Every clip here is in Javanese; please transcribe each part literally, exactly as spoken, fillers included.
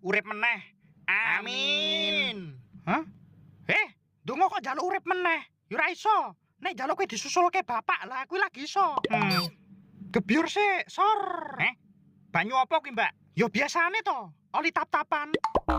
urip meneh. Amin. Hah? Eh, donga kok njaluk urip meneh? Ya ora iso. Nek njaluk kowe disusulke bapak lah kuwi lagi iso. Hmm. Gebyur sik, sor. Eh? Banyu apa kuwi, Mbak? Ya biasane to, oli tap-tapan.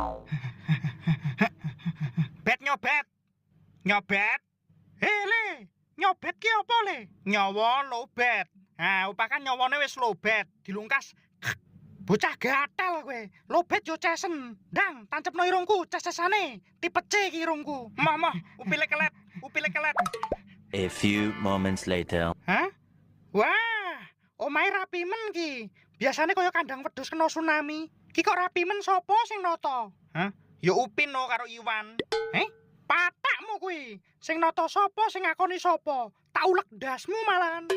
Bet nyobet. Nyobet. Hei, Le. Nyobet ki apa, Le? Nyawa lobet. Nah, upakan nyawane wis lobet, dilungkas. Bocah gatel kowe. Lobet yo cesen. Ndang, tancepno irungku, ces-cesane. Tipe C ki irungku. Moh, moh, upile kelet, upile kelet. A few moments later. Hah? Wah, omahe rapi men ki. Biasane kaya kandang wedhus kena tsunami. Ki kok rapi men sapa sing nata? Hah? Ya Upin no karo Iwan. Eh? Patakmu kuwi. Sing nata sapa sing ngakoni sapa? Tak ulek ndasmu malahan.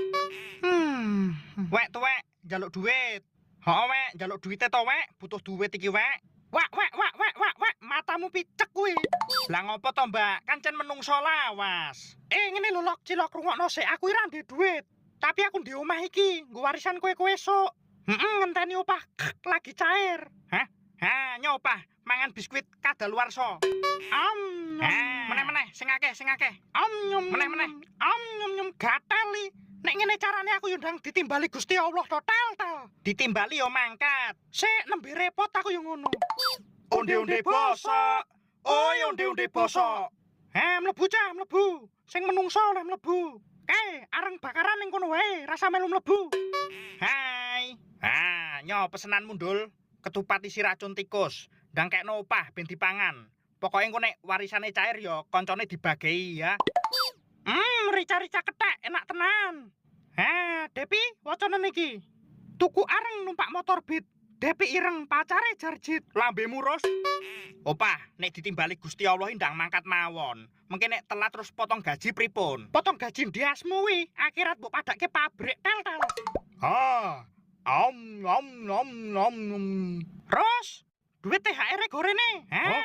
Hmm, wek tuwek, njaluk duit. Heeh, wek, njaluk duite to, wek. Butuh duit iki, wek. Wak, wak, wak, wak, wak, wak, matamu picek kuwi. Lah ngopo to, Mbak? Kancen menungso lawas. Eh, ngene lho, Lok, cilok rungokno sik. Aku ora ndek duit. Tapi aku ndek omah iki, nggo warisan kowe-kowe esuk. Heeh, ngenteni opah lagi cair. Hah? Ha, nyopah mangan biskuit kadaluwarsa. Am, meneh-meneh sing akeh, sing akeh. Am nyum, meneh-meneh. Am nyum nyum gatel li. Nek ngene carane aku yo ndang ditimbali Gusti Allah total ta. Ditimbali yo mangkat. Sik nembe repot aku yo ngono. Onde-onde bosok. Oi, onde-onde bosok. Ha, mlebu cah, mlebu. Sing menungso oleh mlebu. Eh, areng bakaran ning kono wae, rasa melu mlebu. Hai. Ah, nyo pesenan mundul. Ketupat isi racun tikus. Ndang kekno opah ben dipangan. Pokoke engko nek warisane cair ya koncone dibagei ya. Hmm, rica-rica kethek enak tenan. Ha, Depi, wacana niki. Tuku areng numpak motor Beat. Depi ireng pacare Jarjit. Lambemu ros. Opah, nek ditimbali Gusti Allah ndang mangkat mawon. Mengke nek telat terus potong gaji pripun? Potong gaji ndiasmu wi, akhirat mbok padake pabrik tel-tel. Ha. Om om om om om. Ros, duit T H R e gorene. Ha.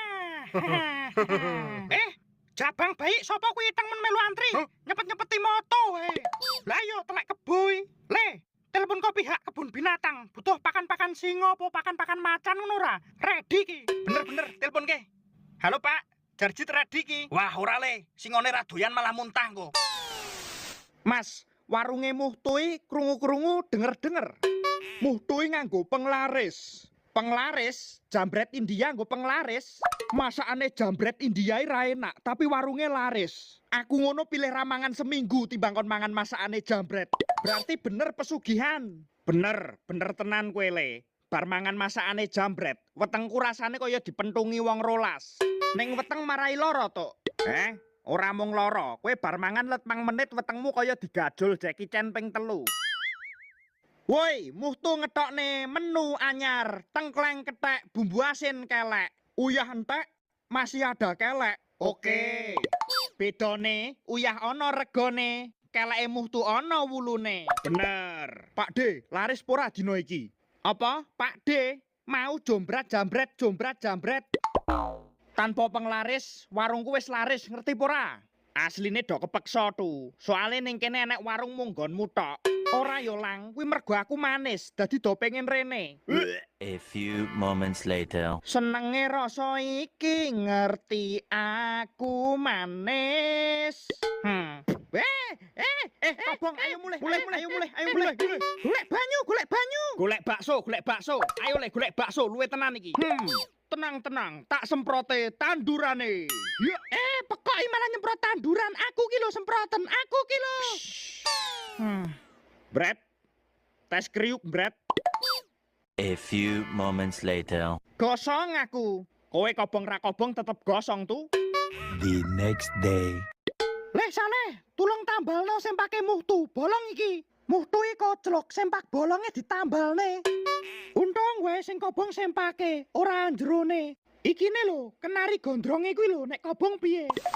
Eh, jabang baik sapa kuwi teng men melu antri? Nyepet-nyepeti moto wae. Lah yo telek keboy. Le, telepon kok pihak kebun binatang. Butuh pakan-pakan singa apa pakan-pakan macan ngono ora? Ready ki. Bener-bener telepon ke. Halo, Pak. Jarjit ready ki. Wah, ora le. Singone ra doyan malah muntah kok. Mas, warunge Muhtui krungu-krungu denger-denger. Muhtui nganggo penglaris. Penglaris, jambret India nggo penglaris. Masakane jambret India ra enak, tapi warunge laris. Aku ngono pilih ramangan seminggu timbang kon mangan masakane jambret. Berarti bener pesugihan. Bener, bener tenan kowe le. Bar mangan masakane jambret, wetengku rasane kaya dipentungi wong rolas. Ning weteng marai lara to. Eh, ora mung lara, kowe bar mangan let mang menit wetengmu kaya digajul Jackie Chan ping telu. Woi, Muhtu ngetokne menu anyar, tengkleng kethek, bumbu asin kelek. Uyah entek, masih ada kelek. Oke. Bedone, uyah ana regone, keleke Muhtu ana wulune. Bener. Pak D, laris pora dina iki? Apa? Pak D, mau jombrat jambret jombrat jambret. Tanpa penglaris, warungku wis laris, ngerti pora? Asline do kepeksa tu. Soale ning kene enek warung munggonmu tok. Ora yo lang, kuwi mergo aku manis, dadi do pengen rene. A few moments later. Senenge rasa iki ngerti aku manis. Hmm. Eh, eh, eh, kobong, ayo mulai, mulai, ayo mulai, ayo mulai. Golek banyu, golek banyu. Golek bakso, golek bakso. Ayo le golek bakso, luwe tenan iki. Hmm. Tenang, tenang, tak semprote tandurane. Ya, eh, pekoki malah nyemprot tanduran. Aku ki lho semproten, aku ki lho. Hmm. Bret, tes kriuk, Bret. A few moments later. Gosong aku. Kowe kobong ra kobong tetep gosong tuh. The next day. Leh Saleh, tulung tambalno sempake Muhtu, bolong iki. Muhtu iki koclok, sempak bolonge ditambalne. Untung wae sing kobong sempake, ora jerone. Iki ne lho, kenari gondronge kuwi lho nek kobong piye.